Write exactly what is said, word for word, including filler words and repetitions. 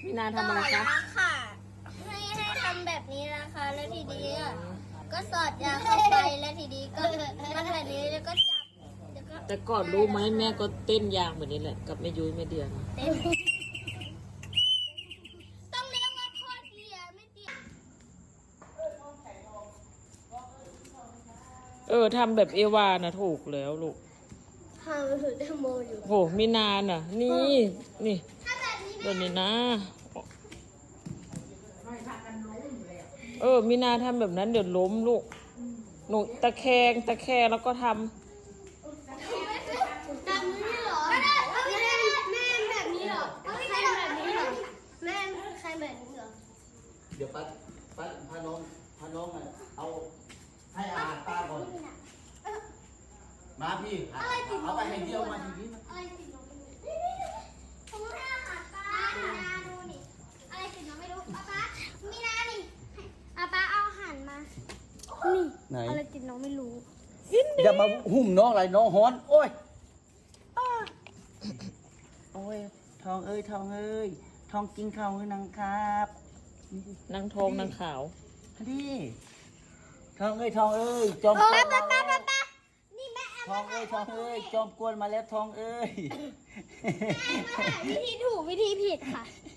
พี่นาทำอะไรคะค่ะให้ให้ทำแบบนี้นะคะแล้วทีนี้อ่ะก็สอดยาเข้าไปแล้วทีนี้ก็มันแบบนี้แล้วก็จับแล้วก็แต่ก่อนรู้ไหมแม่ก็เต้นยางแบบนี้แหละกับแม่ยุ้ยแม่เดือนเต้นต้องเรียกว่าทอดเลียไม่เตียเออทำแบบเอวานะถูกแล้วลูกทำถือแตงโมอยู่โหมีนาน่ะ นี่นี่ถ้าแบบนี้แบบนี้นะ เออมีนาทำแบบนั้นเดี๋ยวล้มลูกหนูตะแคงตะแคงแล้วก็ทำทำนี่เหรอแม่แม่แบบนี้เหรอใครแบบนี้เหรอแม่ใครแบบนี้เหรอเดี๋ยวป้าป้าพาน้องพาน้องอ่ะเอาให้อาหารป้าก่อนมาพี่เอาไปให้เดียวมาทีนี้อะไรติดน้องไม่รู้ผมให้อาหารปลามีนาดูนี่อะไรติดน้องไม่รู้ป้าป้ามีนานี่ป้าป้าเอาอาหารมานี่ไหนอะไรติดน้องไม่รู้อย่ามาหุ่มน้องอะไรน้องฮ้อนโอ้ยอ้าโอ้ยทองเอ้ยทองเอ้ยทองกินข้าวให้นางครับนี่ดินางทองนางขาวดิทองเอ้ยทองเอ้ยจอมกวนป้ามาป้าแล้ป้าว ป้านี่แม่แอมทองเอ้ยทองเอ้ยจอมกวนมาแล้วทองเอ้ยวิธีถูกวิธีผิดค่ะ